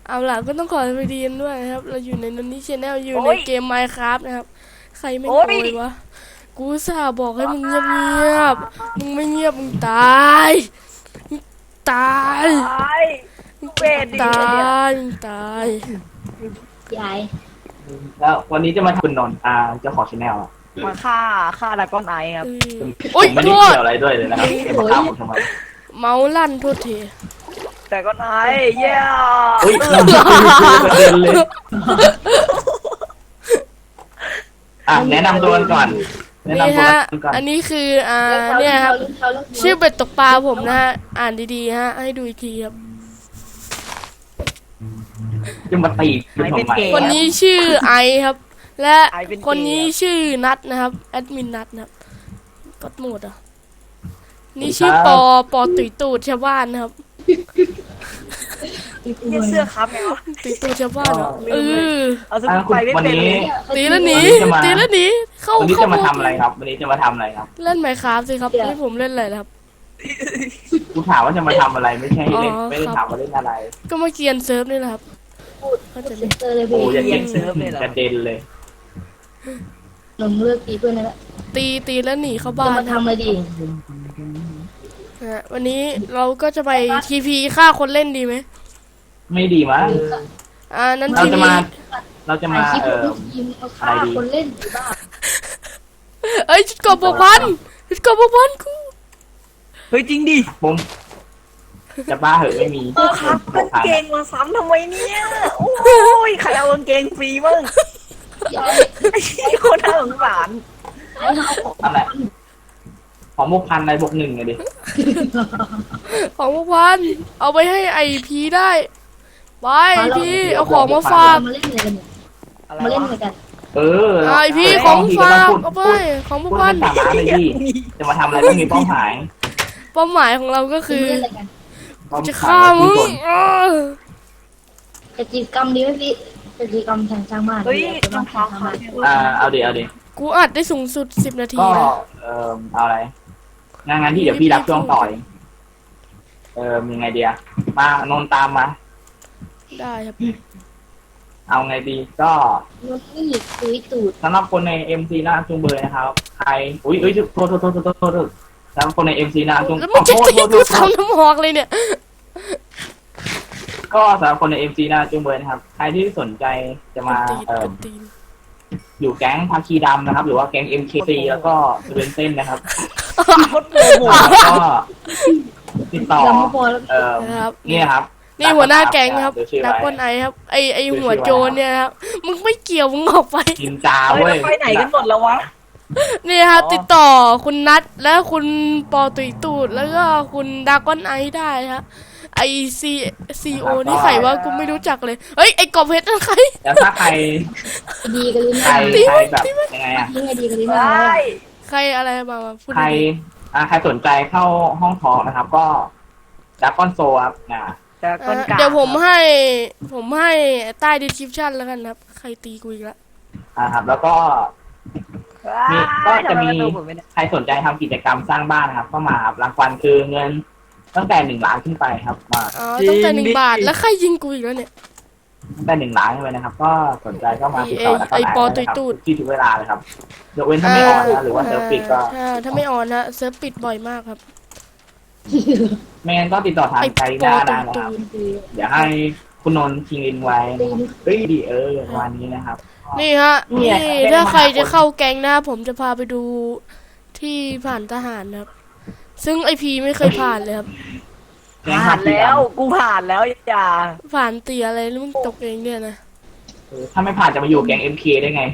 เอาล่ะก็ต้องขอสวัสดีกันด้วยนะครับเราอยู่ในนนนี่ชาแนลอยู่ในเกม Minecraft นะครับใครไม่โวยวะกูอุตส่าห์บอกให้มึงเงียบมึงไม่เงียบมึงตายตายเวทดีตาเนี่ยยตายยายแล้ววันนี้จะมาทำคุณนนท์เจ้าของชาแนลมาฆ่าดราก้อนไอครับโอ๊ยผมไม่โทษได้เกี่ยวอะไรด้วยเลยนะครับจะมาฆ่าผมทำไมเมาส์ลั่นโทษทีแต่ก้อนไอเย้อุ้ยเราไม่ได้ประเด็นเลยแนะนำตัวกันก่อนแนะนี่นำตัวฮะกันก่อนอันนี้คือเนี่ยครับชื่อเป็ดตกปลาผมนะฮะอ่านดีๆฮะให้ดูอีกทีครับจะมาตีคุณทำไมคนนี้ชื่อไอครับ และคนนี้ชื่อนัทนะครับแอดมินนัทนะครับก็หมดอ่ะนี่ชื่อปอตุยตูดชาวบ้านนะครับเนี่ยเสื้อครับไงวะตุยตูดชาวบ้านเหรอเอาสกุลไปไม่วันเป็นนี้เลยตีแล้วหนีตีแล้วหนีเข้าวันนี้เข้าจะมาทำอะไรครับ วันนี้จะมาทำอะไรครับเล่นไมค์ครับสิครับให้ผมเล่นอะไรนะครับกูถามว่าจะมาทำอะไรไม่ใช่เล่นอ๋อไม่ได้ถามว่าเล่นอะไรก็มาเกียนเซิร์ฟนี่แหละครับพูดเขาจะเซ็นเตอร์เลยโอ้พี่ยอย่าเก่งกระเด็นเลยหนุ่มเลือกตีเพื่อนนั่นแหละตีแล้วหนีเข้าจะบ้านมาครับทำอะไรดีวันนี้เราก็จะไปทีพีฆ่าคนเล่นดีไหมไม่ดีมั้งนั้นเราทีจะพีมาเราจะมาถ่ายคลิปลูกยิมเอาฆ่าคนเล่นหรือบ้าเอ้ยชุดเกาะบกพันชุดเกาะบกพันกูเฮ้ยจริงดิผมจะบ้าเหอะไม่มีโอ้ครับกางเกงมาซ้ำทำไมเนี่ยโอ้ยใครเอากางเกงฟรีบ้างยายไอ้คนน่าสงสารไอ้เอาของอะไรของบวกพันอะไรบวกหนึ่งไงดิของบกพันเอาไปให้ไอพีได้ไปพีเอาของมาฝากมาเล่นอะไรกันเนี่ยอะไรมาเล่นวะอะไรกันไอพีของฝากเอาไปของบกพูดพันเป็นสาระเลยพี่จะมาทำอะไรไม่มีเป้าหมายเป้าหมายของเราก็คือเล่นอะไรกันจะฆ่ามึงกิจกรรมดีไหมพี่กิจกรรมทางช่างบ้านเฮ้ยจะรอมางเท้าทำขาบ้านเนี่ยเอาดิเอาดิกูอัดได้สูงสุด10 นาทีก็นะเอาอะไรงานที่เดี๋ยวพี่รับช่วงต่อยยังไงเดียมานนตามมาได้ครับเอาไงดีก็รถนี่ตุยตูดสำหรับคนใน MC หน้าจุงเบยนะครับใครอุ้ยโทษสำหรับคนใน MC หน้าจุงแล้วมึงจะตีกูทำน้ำหอกเลยเนี่ยก็สำหรับคนใน MC หน้าจุงเบยนะครับใครที่สนใจจะมาตีนอยู่แก๊งภาคีดำนะครับ หรือว่าแก๊ง MKC แล้วก็เวนเต้นนะครับโคตรโมโหก็ติดต่อยังไม่พอแล้วนะครับนี่ครับนี่หัวหน้าแก๊งครับเดี๋ยวชื่อดักไว้ก้นไอครับไอหัวโจรเนี่ยครับมึงไม่เกี่ยวมึงออกไปนินจาเฮ้ยเว้ยไปไหนกันหมดแล้ววะนี่ครับติดต่อคุณนัทและคุณปอตุยตูดแล้วก็คุณดากอนไอได้ครับไอซีโอนี่ใครวะกูไม่รู้จักเลยเฮ้ยไอกอบเพชรนั่นใครแล้วถ้าใครดีกันลิ้นใครได้แบบยังไงอะยังไงดีกันลิ้นไดได้ใครอะไรมาพูดใครดีใครสนใจเข้าห้องทอล์กนะครับ ก็ดักก้อนโซครับแต่ก้นกาเดี๋ยวผมให้ใต้ description แล้วกันครับใครตีกูอีกแล้วครับ แล้วก็ก็จะมีใครสนใจทำกิจกรรมสร้างบ้านนะครับ ก็มาครับรางวัลคือเงินตั้งแต่1 ล้านขึ้นไปครับมาอ๋อตั้งแต่1 บาทแล้วใครยิงกูอีกแล้วเนี่ยตั้งแต่1 ล้านขึ้นไปนะครับ ก็สนใจก็มาติดต่อแล้วก็ไอ้ปอได้นะครับตุยๆที่ทุกเวลาเลยครับยกเว้นถ้าไม่ออนนะหรือว่าเซิร์ฟปิดก็ถ้าไม่ออนนะเซิร์ฟปิดบ่อยมากครับไม่งั้นก็ติดต่อทางไกด์หน้าได้นะครับ เดี๋ยวให้คุณนนท์คิงอินไว้นะครับเฮ้ยดีประมาณนี้นะครับนี่ฮะเนี่นี่ยถ้าใครจะเข้าแก๊งนะผมจะพาไปดูที่ผ่านทหารนะครับ ซึ่งไอพีไม่เคยผ่านเลยครับผ่านแล้วกูผ่านแล้วอย่าผ่านเตียอะไรแล้วมึงตกเองเนี่ยนะถ้าไม่ผ่านจะมาอยู่แก๊ง MK ได้ไง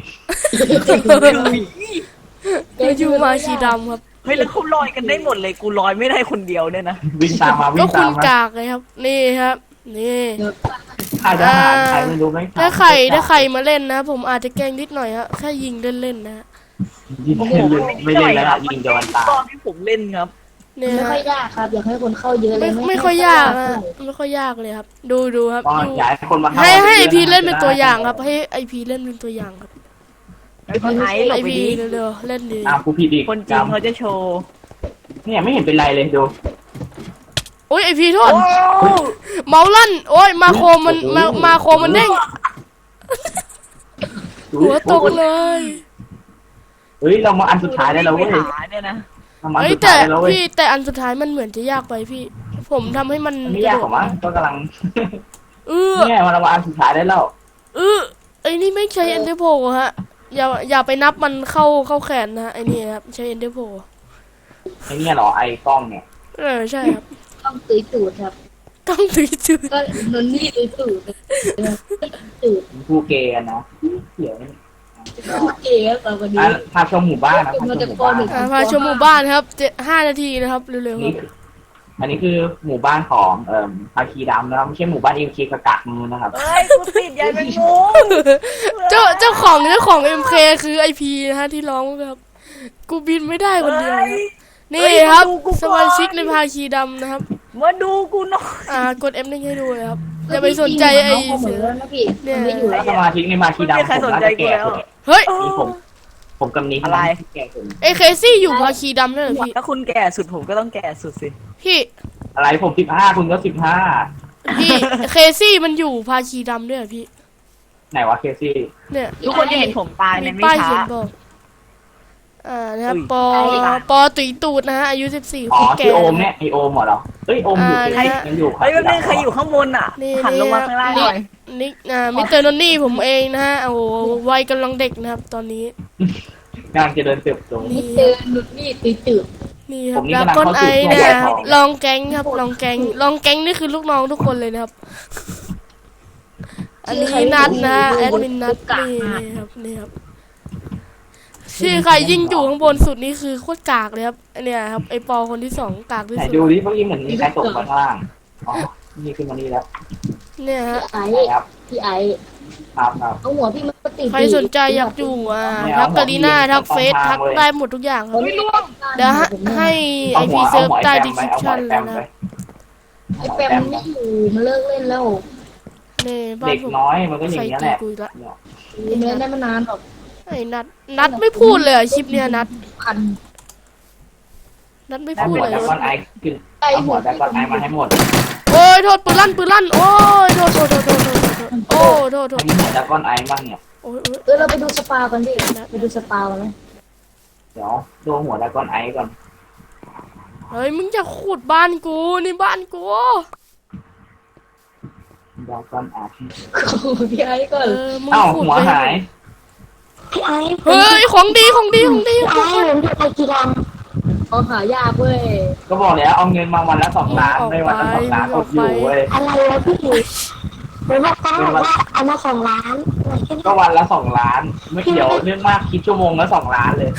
ก็อยู่มาชีดำครับเฮ้ยแล้วเขาลอยกันได้หมดเลยกูลอยไม่ได้คนเดียวเนี่ยนะวิ่งตามมาวิ่ก็งคุตามณมากากเลยครับ นี่ครับ นี่ค่ายทหารใครไม่รู้ไหมถ้าใครมาเล่นนะ ผมอาจจะแกล้งนิดหน่อยฮะแค่ยิงเล่นๆนะฮะยิงไม่เล่นแล้วยิงโดนตาตอนที่ผมเล่นครับเนี่ยไม่ค่ฮะอยยากครับ อยากให้คนเข้าเยอะเลยไม่ค่อยยากนะไม่ค่อยยากเลยครับ ดูครับก็อยากให้คนมาเข้าให้ไอพีเล่นเป็นตัวอย่างครับ ให้ไอพีเล่นเป็นตัวอย่างครับไอ้คนไอ้หลไอบไปพีดิเร็วๆเล่นดีกูผิดอีกคนจริงเขาจะโชว์เนี่ยไม่เห็นเป็นไรเลยดูโอ้ยไอพีโทษโอ้เมาลั่นโอ้ยมาโคมันมาโคมันเด้งหัวตกเลยเฮ้ยเรามาอันสุดท้ายได้แล้วเว้ยไม่หาเนี่ยนะเรามาอันเฮ้ยสุดแต่ท้ายได้แล้วเว้ยพี่แต่อันสุดท้ายมันเหมือนจะยากไปพี่ ผมทำให้มันมันไม่ยากหรอกมั้งก็กำลังเออเนี่ยเรามาอันสุดท้ายได้แล้วไอ้นี่ไม่ใช้เอ็นเดอร์โพฮะอย่าไปนับมันเข้าแขนนะไอ้นี่ครับใช้เอ็นเดอร์โพไอ้เนี่ยเหรอไอ้กล้องเนี่ยใช่ครับต้องตุยตูดครับต้องถือจุดก็นนนี่ตุยตูดตูดผู้เกย์นะเดี๋ยวเก๋ครับวันนี้พาชมหมู่บ้านนะพาชมหมู่บ้านพาชมหมู่บ้านครับ5 นาทีนะครับเร็วๆคนี่รับอันนี้คือหมู่บ้านของภาคีดำนะครับไม่ใช่หมู่บ้านเอ็มเคกะกะมือนะครับเอ้ยกูติดใยแมงมุมเจ้าของ MK คือไอพีนะฮะที่ร้องครับ กูบินไม่ได้คนเดียวครับนี่ครับสมาชิกในภาคีดำนะครับมาดูกูหน่อยกด F ได้ให้ดูเลยครับอย่าไปสนใจไอ้เหมืเสือนอแล้วนะพี่มันไม่อยู่แล้แล้ว วสมาชิกในภาคีดำผมน่าจะแก่สุดเฮ้ยนี่ผมกับนี้แก่สุดไอเคซี่อยู่ภาคีดำด้วยเหรอพี่ถ้าคุณแก่สุดผมก็ต้องแก่สุดสิพี่อะไรผม15คุณก็15 พี่เคซี่มันอยู่ภาคีดำด้วยเหรอพี่ไหนวะเคซี่เนี่ยทุกคนจะเห็นผมตายในมีไม่ป้ายช้าเขียนบอกนะครับอุ้ยปอตุยตูดนะฮะอายุ14 อ๋อคนแก่ที่โอมเนี่ยไอโอมเหรอเอ้ยโอมอยู่ที่ยังอยู่เฮ้ยแป๊บนึงใครอยู่ข้างบนอ่ะนี่หันลงมาข้างล่างหน่อยนิกมิสเตอร์นนนี่ผมเองนะฮะโอ้โหวัยกำลังเด็กนะครับตอนนี้กำลังจะเดินเติบโตนี่เตือนนุดนี่ตุยตูดนี่ครับผมนี่ดรากำลังก้อนเข้าไอสู่เนี่ยช่วงวัยทองลองแก๊งครับลองแก๊งนี่คือลูกน้องทุกคนเลยนะครับ อันนี้นัดนะแอดมินนัดนี่ครับนี่ครับชื่อใครยิ่งอยู่ข้างบนสุดนี่คือโคตรกากเลยครับเนี่ยครับไอปอคนที่2กากที่ไหนสุดดูดิเมื่อกี้เหมือนมีใครตกมาข้างล่างอ๋อนี่ขึ้นมานี่แล้วเนี่ยฮะไอ้ไหนครับพี่ไอ้ครับเอาหัวพี่มันติดใครสนใจอยากอยู่ทักกาลีน่าทักเฟซทักได้หมดทุกอย่างครับ เดี๋ยวให้ไอเอาพีหัวเซิร์ฟเอาหัวใต้แปดีมคไปริปเอาหัวชั่นแปแล้วมนะไปไอ้แปมมันไม่อยู่มันเลิกเล่นแล้วนี่บ้าเด็นกผมน้อยมันก็อย่างใส่นี้ยตีแหละกุยละมันเล่นได้มานานหรอกไอ้นัดไม่พูดเลยคลิปเนี้ยนัดพันไม่แต่พูดหัวเลยแต่ก้อนไอขึ้นเอาหัวแต่ก้อนไอมาให้หมดโอ้ยโทษปืนลั่นโอ้ยโทษโอ้โทษให้มีหัวแต่ก้อนไอบ้างเนี่ยโอ้ยเราไปดูสปากันดิไปดูสปากันไหมเดี๋ยวดูหัวแต่ก้อนไอก่อนเฮ้ยมึงจะขุดบ้านกูนี่บ้านกูแต่ก้อนไอพี่ไอ้ก่อนมึงเอ้าขุดหัวหายพี่ไอ้เฮ้ยของดีผมดูไอจีดังเขาหายากเว้ยก็บอกแล้วเอาเงินมาวันละ2 ล้านไม่วันละ2 ล้านอดอยู่เว้ยอะไรวะพี่หรือว่าป้าบอกว่าเอามา2 ล้านก็วันละ2 ล้านไม่เดี๋ยวเรื่องมากคิดชั่วโมงละ2 ล้านเลย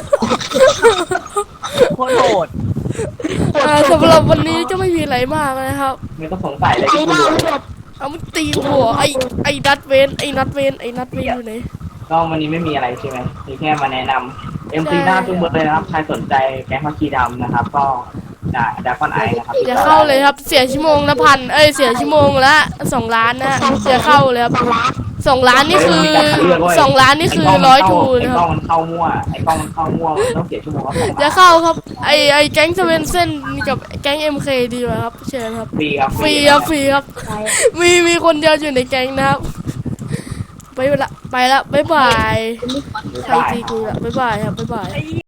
โคตรโหดสำหรับวันนี้ก็ไม่มีอะไรมากนะครับไม่ต้องสงสัยเลยที่กูดูเอามันตีหัวไอ้นัดเวนอยู่ไหนก็วันนี้ไม่มีอะไรใช่ไหมมีแค่มาแนะนำMC หน้าจุงเบอร์เลยนะครับใครสนใจแก๊งพักคีดำนะครับ ก็ดาคอนไอนะครับอย่าเข้าเลยครับเสียชั่วโมงละเสียชั่วโมงละ2 ล้านนะอย่าเข้าเลยครับ2 ล้านนี่คือ2 ล้านนี่คือ100 ทูนะไอ้คกล้รัอบ งมันเข้ามั่วมันต้องเสียชั่วโมงละ2 อย่าล้านเข้าครับไอแก๊งเซเว่นเส้นกับแก๊ง MK ดีกว่าครับเชิญครับฟรีครับฟรีครับมีคนเดียวอยู่ในแก๊งนะครับไปละบ๊ายบายใครตีกูละบ๊ายบายครับบ๊ายบาย